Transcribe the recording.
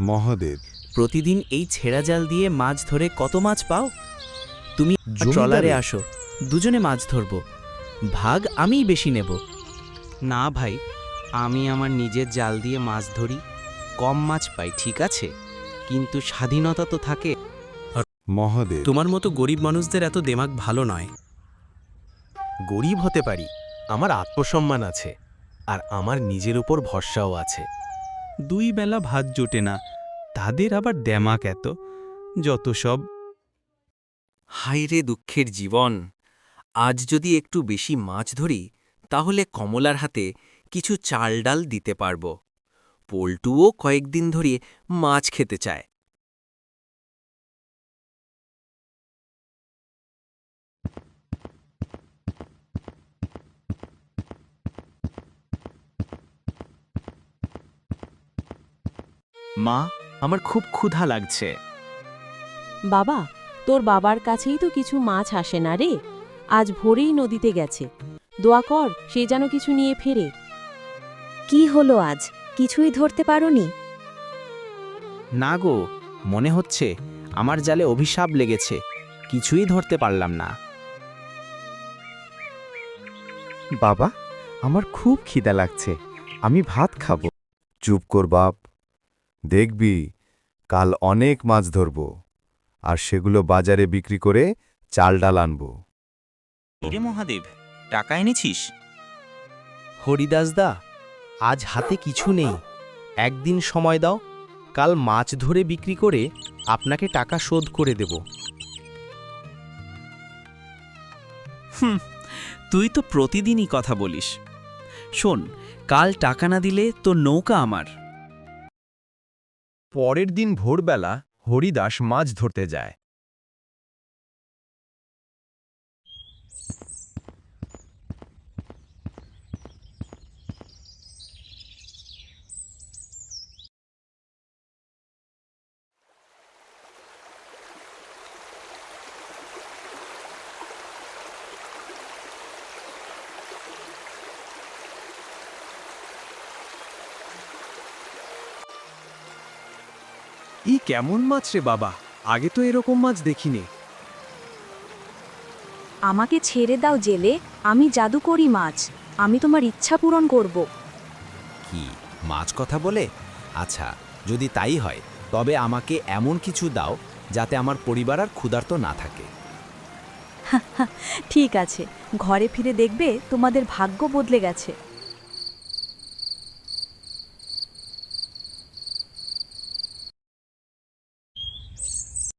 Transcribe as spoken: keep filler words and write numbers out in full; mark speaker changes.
Speaker 1: মহাদেব,
Speaker 2: প্রতিদিন এই ছেঁড়া জাল দিয়ে মাছ ধরে কত মাছ পাও? তুমি
Speaker 1: জমিদারে-
Speaker 2: ট্রলারে আসো, দুজনে মাছ ধরব, ভাগ আমিই বেশি নেব।
Speaker 3: না ভাই, আমি আমার নিজের জাল দিয়ে মাছ ধরি, কম মাছ পাই ঠিক আছে, কিন্তু স্বাধীনতা তো থাকে।
Speaker 1: মহাদেব,
Speaker 4: তোমার মতো গরিব মানুষদের এত দেমাগ ভালো নয়।
Speaker 5: গরিব হতে পারি, আমার আত্মসম্মান আছে, আর আমার নিজের উপর ভরসাও আছে।
Speaker 4: দুই বেলা ভাত জোটে না, তাদের আবার দেমাক এত, যত সব।
Speaker 6: হায়রে দুঃখের জীবন। আজ যদি একটু বেশি মাছ ধরি তাহলে কমলার হাতে কিছু চাল ডাল দিতে পারব। পল্টুও কয়েকদিন ধরে মাছ খেতে চায়।
Speaker 3: মা, আমার খুব ক্ষুধা লাগছে।
Speaker 7: বাবা, তোর বাবার কাছেই তো কিছু মাছ আসে না রে। আজ ভোরেই নদীতে গেছে, দোয়া কর সে যেন কিছু নিয়ে ফেরে।
Speaker 8: কি হলো আজ, কিছুই ধরতে পারোনি?
Speaker 3: না গো, মনে হচ্ছে আমার জালে অভিশাপ লেগেছে, কিছুই ধরতে পারলাম না।
Speaker 9: বাবা, আমার খুব খিদা লাগছে, আমি ভাত খাবো।
Speaker 1: চুপ কর বাপ। দেখবি কাল অনেক মাছ ধরব, আর সেগুলো বাজারে বিক্রি করে চাল ডাল আনব।
Speaker 2: রে মহাদেব, টাকা এনেছিস?
Speaker 3: হরিদাসদা, আজ হাতে কিছু নেই, একদিন সময় দাও, কাল মাছ ধরে বিক্রি করে আপনাকে টাকা শোধ করে দেব।
Speaker 4: হুম, তুই তো প্রতিদিনই কথা বলিস। শোন, কাল টাকা না দিলে তোর নৌকা আমার।
Speaker 5: পরের দিন ভোরবেলা হরিদাস মাছ ধরতে যায়। ই কেমন মাছ রে বাবা, আগে তো এরকম মাছ দেখিনি।
Speaker 8: আমাকে ছেড়ে দাও জেলে, আমি জাদুকরি মাছ, আমি তোমার ইচ্ছা পূরণ করব।
Speaker 5: কি মাছ কথা বলে? আচ্ছা, যদি তাই হয় তবে আমাকে এমন কিছু দাও যাতে আমার পরিবার আর ক্ষুধার্ত না থাকে।
Speaker 8: ঠিক আছে, ঘরে ফিরে দেখবে তোমাদের ভাগ্য বদলে গেছে।